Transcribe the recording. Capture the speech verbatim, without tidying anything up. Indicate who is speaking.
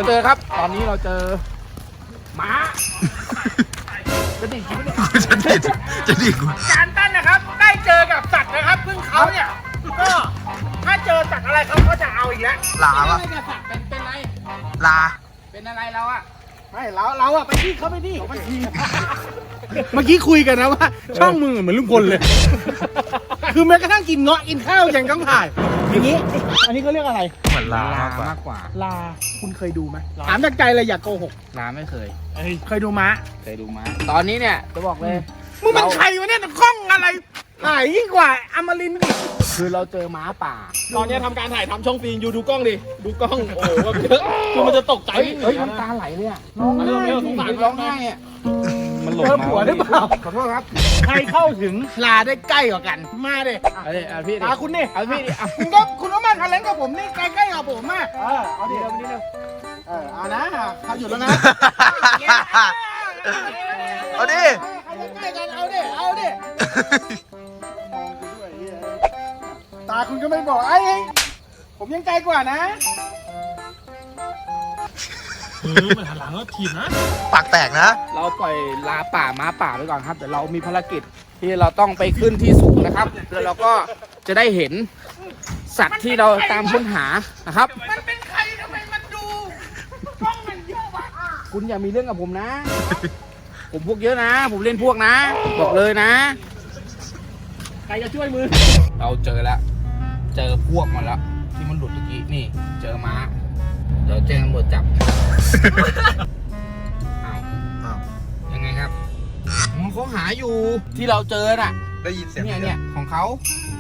Speaker 1: เจอครับตอนนี้เราเจอหมาจะดิ่งกูเนี่ย
Speaker 2: จะดีจะดีกู
Speaker 1: การตั้นนะครับได้เจอกับสัตว์นะครับซึ่งเขาเนี่ยก็ถ้าเจอสัตว์อะไรเขาก็จะเอาอีกแล้ว
Speaker 2: ลา
Speaker 1: ไม่
Speaker 2: วะ
Speaker 1: ได้จะสัตว์เป็นเป็นอะไร
Speaker 2: ลา
Speaker 1: เป็นอะไรเราอะไม่เราเราอะไปที่เขาไปที่ไปที่เมื่อกี้คุยกันนะว่าช่องมึงเหมือนลุงพลเลย คือแม้กระทั่งกินเงาะกินข้าวยังต้องถ่ายอย่างนี้ อันนี้เขาเรียกอะไร
Speaker 2: เหมือนลามากกว่า
Speaker 1: ลาคุณเคยดูไหมถามจากใจเลยอย่าโกหก
Speaker 3: ลาไม่เคย
Speaker 1: เคยดูม้า
Speaker 3: เคยดูม้าตอนนี้เนี่ยจะบอกเลย
Speaker 1: มึงเป็นใครวะเนี่ยกล้องอะไรถ่ายยิ่งกว่าอมรินทร์อีกคือเราเจอม้าป่า
Speaker 4: ตอนนี้ทำการถ่ายทำช่องฟิล์มอยู่ดูกล้องดิ ดูกล้อง โอ้โหแบบเยอะคือมันจะตกใจ
Speaker 1: เฮ้ยเฮ้ยน้ำตาไหลเลยอะร้องไห้
Speaker 4: ไม่เอาสงสาร
Speaker 1: ร้องไห้อะ
Speaker 3: มันหล
Speaker 1: เจอผัวหรือเปล่า
Speaker 3: ขอโทษครับ
Speaker 1: ใครเข้าถึงลาได้ใกล้กว่ากัน มาเด็
Speaker 3: เอาดิเอาพี่ดิ
Speaker 1: ตาคุณนี่
Speaker 3: เอาพี่ดิเอา
Speaker 1: คุณก็คุณก็มาคันเล้งกับผมนี่ใกล้ๆกับผมมากเออเอาดิ
Speaker 3: เดี๋ยวนี้เร็ว
Speaker 1: เออเอานะเขาอยู่แล้วนะ
Speaker 2: เอาดิ
Speaker 1: ใครจะใกล้กันเอาดิเอาดิมองกูด้วยเหี้ยตาคุณก็ไม่บอกไอ้ยผมยังไกลกว่านะ
Speaker 4: เออมันหันหลังแล้วถีบนะ
Speaker 2: ปากแตกนะ
Speaker 3: เราปล่อยลาป่าม้าป่าไปก่อนครับแต่เรามีภารกิจที่เราต้องไปขึ้นที่สูงนะครับแล้วเราก็จะได้เห็นสัตว์ที่เราตามค้นหานะครับ
Speaker 1: มันเป็นใครทำไมมันดูกล้องมันเยอะวะ
Speaker 3: คุณอย่ามีเรื่องกับผมนะ ผมพวกเยอะนะ ผมเล่นพวกนะ บอกเลยนะ
Speaker 4: ใครจะช่วยมือ
Speaker 3: เราเจอแล้ว เจอพวกมันแล้ว ที่มันหลุดเมื่อกี้นี่ เจอม้า เดี๋ยวแจ้งตำรวจจับ อ้าว
Speaker 2: อ้าว
Speaker 3: ยังไงครับอ๋อเขาหาอยู่ที่เราเจอน่ะ
Speaker 2: ได้ยินเสียง
Speaker 3: เนี่ยเนี่ยของเขา
Speaker 2: อ